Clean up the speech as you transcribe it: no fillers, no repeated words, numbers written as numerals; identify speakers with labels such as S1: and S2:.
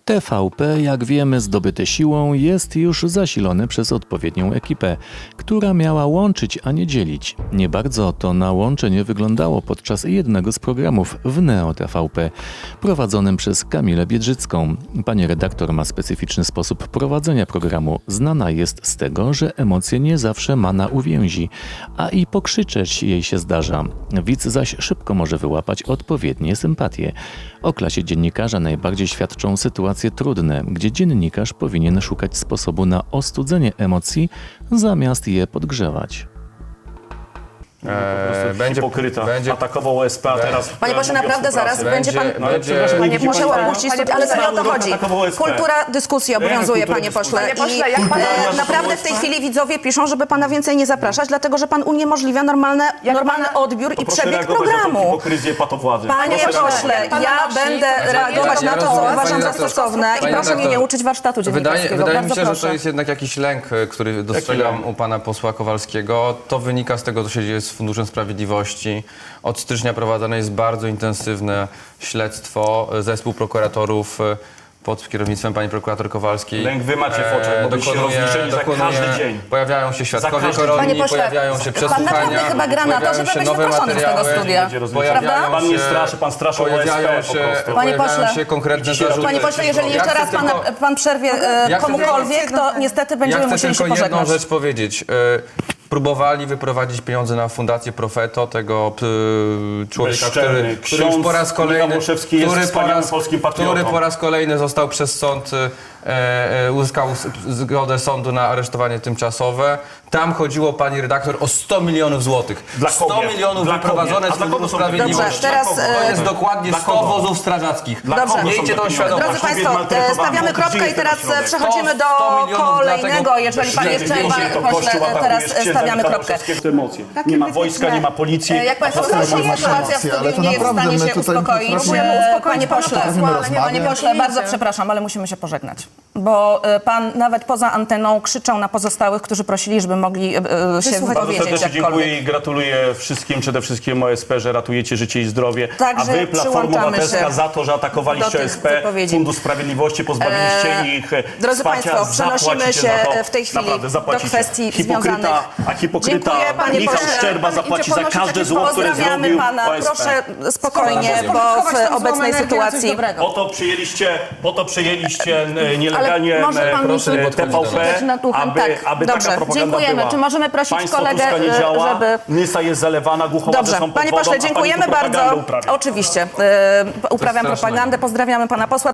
S1: TVP, jak wiemy, zdobyte siłą, jest już zasilone przez odpowiednią ekipę, która miała łączyć, a nie dzielić. Nie bardzo to na łączenie wyglądało podczas jednego z programów w Neo TVP, prowadzonym przez Kamilę Biedrzycką. Pani redaktor ma specyficzny sposób prowadzenia programu. Znana jest z tego, że emocje nie zawsze ma na uwięzi, a i pokrzyczeć jej się zdarza. Widz zaś szybko może wyłapać odpowiednie sympatie. O klasie dziennikarza najbardziej świadczą sytuacje trudne, gdzie dziennikarz powinien szukać sposobu na ostudzenie emocji, zamiast je podgrzewać.
S2: Będzie hipokryta. Atakował OSP, a teraz...
S3: Panie pośle, naprawdę zaraz będzie pan...
S2: Panie,
S3: muszę opuścić, ale to nie o to chodzi. Kultura dyskusji obowiązuje, panie pośle. I naprawdę w tej chwili widzowie piszą, żeby pana więcej nie zapraszać, dlatego że pan uniemożliwia normalny odbiór i przebieg programu. Panie pośle, ja będę reagować na to, co uważam za stosowne i proszę mnie nie uczyć warsztatu dziennikarskiego.
S4: Wydaje mi się, że to jest jednak jakiś lęk, który dostrzegam u pana posła Kowalskiego. To wynika z tego, co się dzieje z Funduszem Sprawiedliwości. Od stycznia prowadzone jest bardzo intensywne śledztwo. Zespół prokuratorów pod kierownictwem pani prokurator Kowalskiej.
S2: Lęk wy macie w oczach, bo byście rozliczeni za każdy dzień.
S4: Pojawiają się świadkowie koronni, pojawiają się przesłuchania.
S3: Pan naprawdę chyba gra na to, żeby być wyproszony z tego studia.
S2: Prawda? Pan mnie straszy, pan straszy OSP po prostu.
S3: Panie pośle,
S4: się konkretne zarzuty.
S3: Panie pośle, jeżeli jeszcze raz pan przerwie komukolwiek, to niestety będziemy musieli się
S4: pożegnać. Ja chcę tylko jedną rzecz powiedzieć. Próbowali wyprowadzić pieniądze na fundację Profeto, tego człowieka, który już po raz kolejny, który po raz kolejny został przez sąd, uzyskał zgodę sądu na aresztowanie tymczasowe. Tam chodziło, pani redaktor, o 100 milionów złotych. 100 milionów wyprowadzone z Funduszu Sprawiedliwości. To jest dokładnie 100 wozów strażackich. Miejcie tą świadomość.
S3: Drodzy Państwo, stawiamy kropkę i teraz przechodzimy do kolejnego, jeżeli Pan jeszcze teraz stawiamy kropkę.
S2: Nie ma wojska, nie ma policji.
S3: Jak Państwo słyszą, sytuacja w studiu nie jest w stanie się uspokoić. Panie pośle, bardzo przepraszam, ale musimy się pożegnać. Bo pan nawet poza anteną krzyczał na pozostałych, którzy prosili, żeby mogli się wypowiedzieć
S2: jakkolwiek. Dziękuję i gratuluję wszystkim, przede wszystkim OSP, że ratujecie życie i zdrowie.
S3: Także
S2: a wy, Platforma Obywatelska, za to, że atakowaliście OSP, Fundusz Sprawiedliwości, pozbawiliście ich
S3: Drodzy Państwo, przenosimy się w tej chwili do kwestii związanych.
S2: A hipokryta Michał Szczerba zapłaci za każde zło, które zrobił
S3: pana.
S2: OSP.
S3: Proszę spokojnie, bo w obecnej sytuacji...
S2: Po to przyjęliście nielegalnie TVP, aby taka propaganda
S3: dziękujemy.
S2: była.
S3: Czy możemy prosić
S2: Państwo
S3: kolegę,
S2: Tuska nie działa,
S3: żeby...
S2: Nysa jest zalewana, Głuchowadze są pod
S3: Panie
S2: wodą,
S3: pośle, dziękujemy bardzo.
S2: uprawia.
S3: Oczywiście. Uprawiam propagandę. Pozdrawiamy pana posła.